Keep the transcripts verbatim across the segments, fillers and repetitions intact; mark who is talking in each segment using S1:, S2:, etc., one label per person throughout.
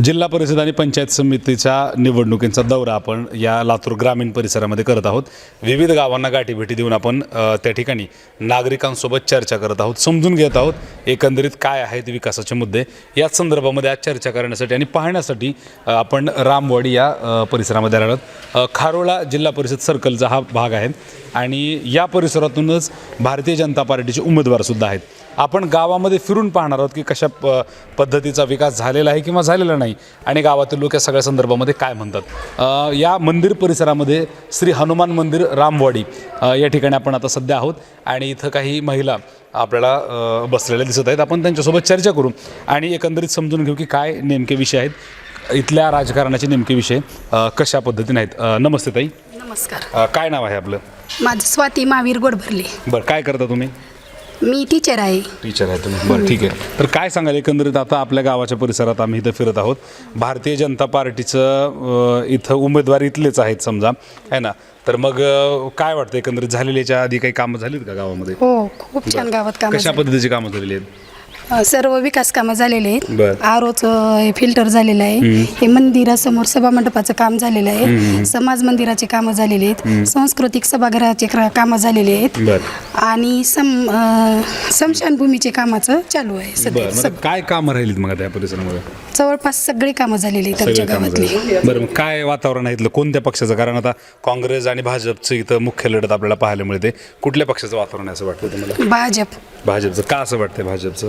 S1: जिल्हा परिषद आणि पंचायत समितीच्या निवडणुकींचा दौरा आपण या लातूर ग्रामीण परिसरामध्ये करत आहोत. विविध गावांना गाठीभेटी देऊन आपण अ, त्या ठिकाणी नागरिकांसोबत चर्चा करत आहोत, समजून घेत आहोत एकंदरीत काय आहेत विकासाचे मुद्दे. याच संदर्भामध्ये आज चर्चा करण्यासाठी आणि पाहण्यासाठी अ, आपण रामवाडी या अ, परिसरामध्ये आलो आहोत. अ, खारोळा जिल्हा परिषद सर्कलचा हा भाग आहे आणि या परिसरातूनच भारतीय जनता पार्टीचे उमेदवारसुद्धा आहेत. आपण गावामध्ये फिरून पाहणार आहोत की कशा प पद्धतीचा विकास झालेला आहे किंवा झालेला नाही आणि गावातील लोक या सगळ्या संदर्भामध्ये काय म्हणतात. अ, या मंदिर परिसरामध्ये श्री हनुमान मंदिर रामवाडी अ, या ठिकाणी आपण आता सध्या आहोत आणि इथं काही महिला आपल्याला अ, बसलेल्या दिसत आहेत. आपण त्यांच्यासोबत चर्चा करू आणि एकंदरीत समजून घेऊ की काय नेमके विषय आहेत, इथल्या राजकारणाचे नेमके विषय अ, कशा पद्धतीने आहेत. अ, नमस्ते ताई.
S2: नमस्कार.
S1: अ, काय नाव आहे आपलं?
S2: माझं स्वाती महावीर गोडभरले.
S1: बरं, काय करता तुम्ही?
S2: मी टीचर आहे.
S1: टीचर आहे तुम्ही. बरं, ठीक आहे. तर काय सांगाल एकंदरीत आता आपल्या गावाच्या परिसरात आम्ही इथं फिरत आहोत. भारतीय जनता पार्टीचं अ, इथं उमेदवार इथलेच आहेत समजा, आहे ना. तर मग अ, काय वाटतं एकंदरीत झालेल्याच्या आधी काही कामं झालीत का गावामध्ये?
S2: हो, खूप छान गावात कामं
S1: कशा
S2: झाली.
S1: पद्धतीची कामं झालेली आहेत?
S2: अ, सर्व विकास कामं झालेले आहेत.
S1: बरं.
S2: आरोचं हे फिल्टर झालेलं आहे. हे मंदिरासमोर सभा मंडपाचं काम झालेलं आहे. समाज मंदिराचे कामं झालेले आहेत. सांस्कृतिक सभागृहाचे क्र- कामं झालेले आहेत.
S1: बरं
S2: आणि सम अ, स्मशानभूमीचे कामाचं चालू आहे सध्या.
S1: बरं, मग काय कामं राहिलीत मग आता या परिसरामध्ये?
S2: जवळपास सगळी कामं झालेली आहेत आमच्या
S1: सगळे कामं
S2: गावातली.
S1: झाली. बरं, मग काय वातावरण आहे इथलं, कोणत्या पक्षाचं? कारण आता काँग्रेस आणि भाजपचं इथं मुख्य लढत आपल्याला पाहायला मिळते. कुठल्या पक्षाचं वातावरण आहे असं वाटतं तुम्हाला?
S2: भाजप.
S1: भाजपचं का असं वाटतंय भाजपचं?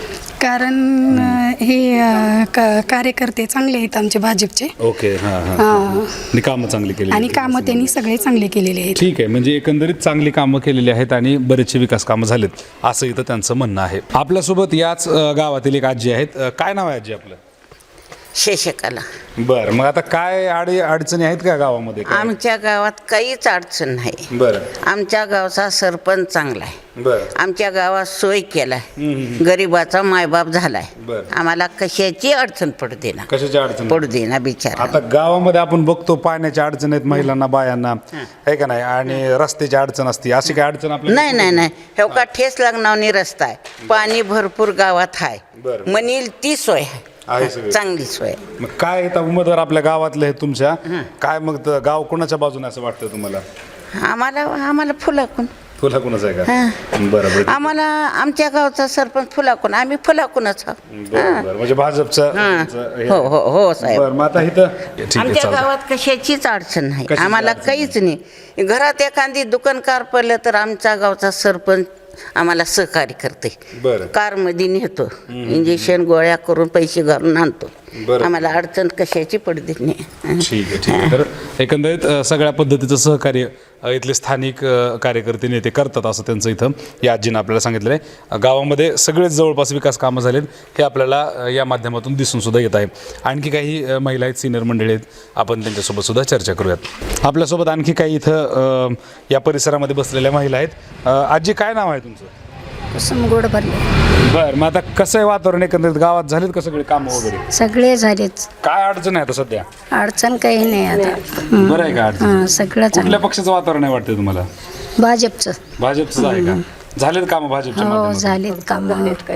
S2: कारण अ, हे अ, क- कार्यकर्ते चांगले आहेत आमचे भाजपचे.
S1: ओके, हां हां.
S2: हां.
S1: आणि कामं चांगली केली
S2: आणि कामं त्यांनी सगळे चांगले केलेले आहेत.
S1: ठीक आहे. म्हणजे एकंदरीत चांगली कामं केलेली आहेत आणि बरेचसे विकास कामं झालेत असं इथं त्यांचं म्हणणं आहे. आपल्यासोबत याच अ, गावातील एक आजी आहेत. अ, काय नाव आहे आजी आपलं?
S3: शेषकाला.
S1: बरं, मग आता काय अडी अडचणी आहेत का गावामध्ये काय?
S3: आमच्या गावात काहीच अडचण नाही.
S1: बरं
S3: आमच्या गावचा सरपंच चांगला आहे.
S1: बरं
S3: आमच्या गावात सोय केलाय. गरिबाचा मायबाप झालाय.
S1: बरं.
S3: आम्हाला कशाची अडचण पडू देना
S1: कशाची अडचण?
S3: पडू देना बिचारा.
S1: आता गावामध्ये आपण बघतो पाण्याच्या अडचण आहेत महिलांना, बायांना, आहे का नाही, आणि रस्त्याची अडचण असते. अशी काय अडचण आपल्या?
S3: नाही नाही नाही हे का ठेस लागणावनी रस्ता आहे. पाणी भरपूर गावात आहे.
S1: बरं.
S3: म्हणील ती सोय
S1: आहे
S3: आहे.
S1: सगळी.
S3: चांगली सोय.
S1: मग काय इथं उमेदवार आपल्या गावातले आहेत तुमच्या, काय मग त- गाव कोणाच्या बाजूने असं वाटतं तुम्हाला?
S3: आम्हाला आम्हाला फुलाकून
S1: फुला कोणाचं आहे का?
S3: हां.
S1: बरं बरं
S3: आम्हाला आमच्या गावचा सरपंच फुलाकून, आम्ही फुलाकूनच आहोत.
S1: बरं बरं. म्हणजे भाजपचं
S3: हां.
S1: तुमचं हे
S3: हो
S1: आहे.
S3: हो हो साहेब.
S1: बरं, मग आता इथं ठीक आहे,
S3: आमच्या
S1: चालतंय.
S3: गावात कशाचीच अडचण नाही.
S1: कशाची
S3: आम्हाला
S1: अडचण
S3: काहीच नाही. घरात एखादी दुकानकार पडलं तर आमच्या गावचा सरपंच आम्हाला सहकार्य करते.
S1: बरं.
S3: कारमध्ये नेतो, इंजेक्शन गोळ्या करून पैसे घालून आणतो.
S1: बरं.
S3: आम्हाला अडचण कशाची पडते नाही.
S1: ठीक आहे ठीक आहे. तर एकंदरीत अ, सगळ्या पद्धतीचं सहकार्य अ, इथले स्थानिक अ, कार्यकर्ते नेते करतात असं त्यांचं इथं या आजीनं आपल्याला सांगितलं आहे. गावामध्ये सगळेच जवळपास विकास कामं झालेत हे आपल्याला अ, या माध्यमातून दिसून सुद्धा येत आहे. आणखी काही अ, महिला आहेत, सिनियर मंडळी आहेत, आपण त्यांच्यासोबत सुद्धा चर्चा करूयात. आपल्यासोबत आणखी काही इथं अ, या परिसरामध्ये बसलेल्या महिला आहेत. अ, आजी काय नाव आहे तुमचं?
S2: कुसुम गोडभरले.
S1: बरं, मग आता कसं आहे वातावरण एकंदरीत गावात, झालेत का सगळे कामं वगैरे?
S2: सगळे झालेच.
S1: काय अडचण आहे आता सध्या?
S2: अडचण काही नाही आता.
S1: बरं आहे का अडचण?
S2: हां, सगळं चांगलं.
S1: कुठल्या पक्षाचं वातावरण आहे वाटतं तुम्हाला?
S2: भाजपचं.
S1: भाजपचं आहे का? झालेत कामं भाजपच्या
S2: हो
S1: माध्यमातून?
S2: झालेत काम.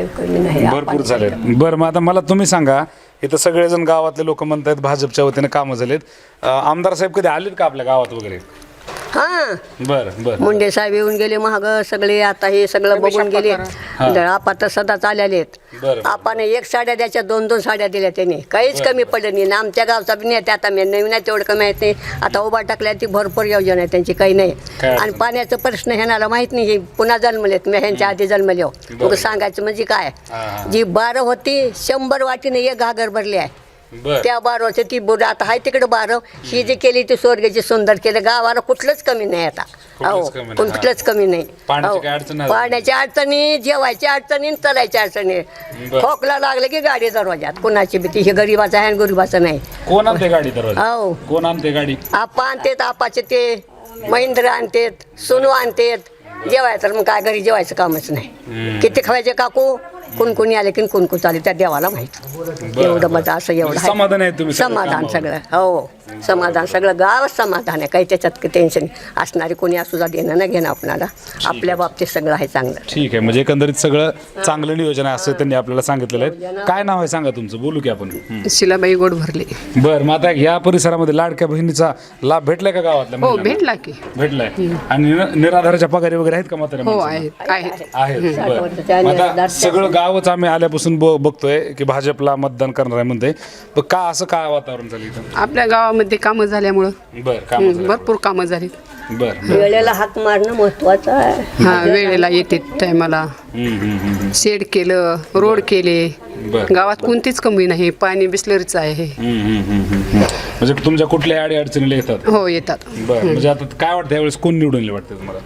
S1: भरपूर झालेत. बरं, मग आता मला तुम्ही सांगा, इथं सगळेजण गावातले लोक म्हणतात भाजपच्या वतीने कामं झालेत. अं, आमदार साहेब कधी आलेत का आपल्या गावात वगैरे?
S4: हा
S1: बरं बरं.
S4: मुंडे साहेब येऊन गेले महाग सगळे. आता हे सगळं बघून गेले. आपा तर सदाच आलेले आहेत.
S1: बरं.
S4: आपण एक साड्या द्यायच्या, दोन दोन साड्या दिल्या त्यांनी, काहीच कमी पडलं नाही. ना आमच्या गावचा बी नाही, आता मी नवीन आहे तेवढं कमी माहीत नाही. आता उभा टाकल्या ती भरपूर योजना आहे त्यांची, काही नाही.
S1: काय अडचण
S4: आणि पाण्याचा प्रश्न ह्याला माहीत नाही. हे पुन्हा जन्मलेत, मी ह्यांच्या आधी जन्मले हो. मग सांगायचं म्हणजे काय,
S1: हा.
S4: जी बारं होती शंभर वाटीने एक घागर भरली आहे.
S1: बरं.
S4: त्या बारवच्या ती बोट आता आहे तिकडे बारव. ही जी केली ती स्वर्गाची सुंदर केलं. गावाला कुठलंच कमी नाही आता. हो,
S1: कुठलंच कमी नाही.
S4: कुठलंच कमी नाही.
S1: पाण्याची
S4: हो.
S1: काय अडचण नाही?
S4: पाण्याच्या अडचणी, जेवायच्या अडचणी, चलायच्या अडचणी.
S1: बरं.
S4: खोकला लागले की गाडी दरवाजात, कुणाची भीती. हे गरीबाचं आहे आणि गरीबाचं नाही.
S1: कोण आणते गाडी दरवाजा?
S4: हो.
S1: कोण आणते गाडी?
S4: आपा आणतेत, आपाचे ते महिंद्र आणतेत, सोनू आणतेत. जेवायचं तर मग काय घरी जेवायचं कामच नाही. किती खवायचे काकू? कोण कोणी आले की कोण कोण चालेल त्या देवाला माहिती. एवढं माझं असं एवढं आहे.
S1: समाधान आहे तुम्ही सगळ्या
S4: समाधान
S1: कामावर?
S4: सगळं हो समाधान सगळं गावच समाधान आहे. काही त्याच्यात टेन्शन असणारे कोणी असू जा देणं ना घेणं आपणाला आपल्या बाबतीत सगळं आहे चांगलं.
S1: ठीक आहे, म्हणजे एकंदरीत सगळं चांगलं नियोजन आहे असं त्यांनी आपल्याला सांगितलेलं आहे. काय नाव आहे सांगा तुमचं, बोलू की आपण. हं.
S5: शिलाबाई गोड भरले.
S1: बरं, मग आता या परिसरामध्ये लाडक्या बहिणीचा लाभ भेटलाय का गावातल्या
S5: हो
S1: महिलांना?
S5: भेटला की.
S1: भेटलाय. आणि निर- निराधाराच्या पगारी वगैरे आहेत का म्हाताऱ्या
S5: हो
S1: माणसांना?
S5: आहेत आहेत.
S1: आहेत.
S4: साठ
S1: बरं.
S4: वर्षाच्या
S1: मग आता
S4: निराधार
S1: सगळं गावच आम्ही आल्यापासून ब- बघतोय की भाजपला मतदान करणार आहे म्हणते, पण का असं काय वातावरण झालं इथं?
S5: आपल्या गावामध्ये कामं झाल्यामुळं
S1: बरं, काम
S5: हं, भरपूर कामं झाली.
S1: बरं.
S4: वेळेला हाक मारणं महत्वाचं आहे.
S5: हा वेळेला येते टायमाला.
S1: हम्म, हम्म, हम्म,
S5: शेड केलं, रोड केले.
S1: बरं.
S5: गावात कोणतीच कमी नाही, पाणी बिस्लरीचं आहे.
S1: हम्म, हम्म, हम्म, हम्म. म्हणजे तुमच्या कुठल्या अडी अडचणीला येतात?
S5: हो येतात.
S1: बरं, म्हणजे आता काय वाटतं यावेळेस कोण निवडून येईल वाटतं तुम्हाला?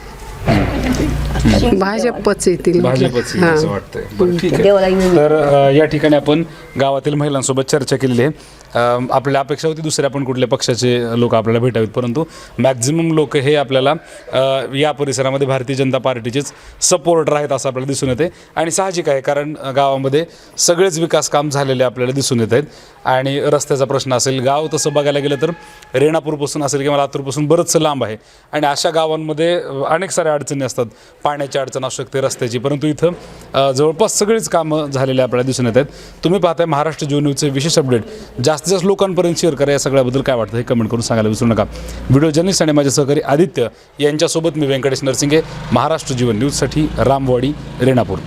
S5: भाजपच येतील.
S1: भाजपच येईल
S5: हा.
S1: असं वाटतंय. बरं, ठीक आहे.
S4: देवाला येऊन
S1: तर अ, या ठिकाणी आपण गावातील महिलांसोबत चर्चा केलेली आहे. अ, आपल्याला अपेक्षा होती दुसऱ्या पण कुठल्या पक्षाचे लोक आपल्याला भेटावेत, परंतु मॅक्झिमम लोक हे आपल्याला अ, या परिसरामध्ये भारतीय जनता पार्टीचेच सपोर्टर आहेत असं आपल्याला दिसून येते. आणि साहजिक आहे, कारण अ, गावामध्ये सगळेच विकास काम झालेले आपल्याला दिसून येत आहेत. आणि रस्त्याचा प्रश्न असेल, गाव तसं बघायला गेलं तर रेणापूरपासून असेल किंवा लातूरपासून बरंचसं लांब आहे. आणि अशा गावांमध्ये अ, अनेक साऱ्या अडचणी असतात. पाण्याची अडचण असू शकते, रस्त्याची, परंतु इथं अ, जवळपास सगळीच कामं झालेली आपल्याला दिसून येत आहेत. तुम्ही पाहताय महाराष्ट्र जीवन न्यूजचे विशेष अपडेट. जास्तीत जास्त लोकांपर्यंत शेअर करा. या सगळ्याबद्दल काय वाटतं हे कमेंट करून सांगायला विसरू नका. व्हिडिओ जर्नलिस्ट आणि माझे सहकारी आदित्य यांच्यासोबत मी व्यंकटेश नरसिंगे, महाराष्ट्र जीवन न्यूजसाठी रामवाडी, रेणापूर.